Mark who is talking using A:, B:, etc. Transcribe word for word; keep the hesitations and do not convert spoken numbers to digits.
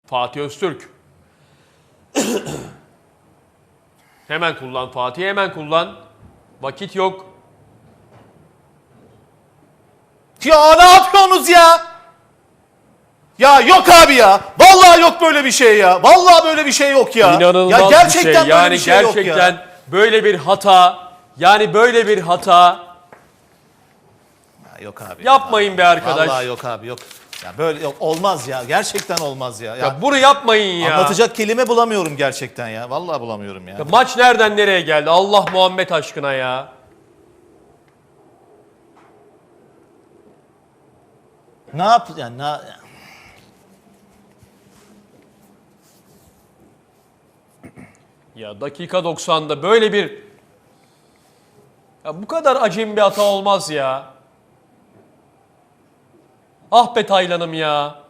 A: Fatih Öztürk. Hemen kullan Fatih, hemen kullan. Vakit yok.
B: Ya ne yapıyorsunuz ya? Ya yok abi ya. Vallahi yok böyle bir şey ya. Vallahi böyle bir şey yok ya.
A: İnanılmaz
B: ya gerçekten
A: bir şey.
B: böyle
A: Yani
B: bir şey
A: gerçekten
B: yok ya.
A: böyle bir hata. Yani böyle bir hata.
B: Ya yok abi.
A: Yapmayın be arkadaş.
B: Vallahi yok abi yok. Ya böyle yok olmaz ya. Gerçekten olmaz ya. Ya,
A: Ya bunu yapmayın ya.
B: anlatacak kelime bulamıyorum gerçekten ya. Vallahi bulamıyorum ya.
A: Ya maç nereden nereye geldi? Allah Muhammed aşkına ya.
B: Ne yap yani ne
A: Ya dakika doksan'da böyle bir ya bu kadar acemi bir hata olmaz ya. Ah be Taylan'ım ya.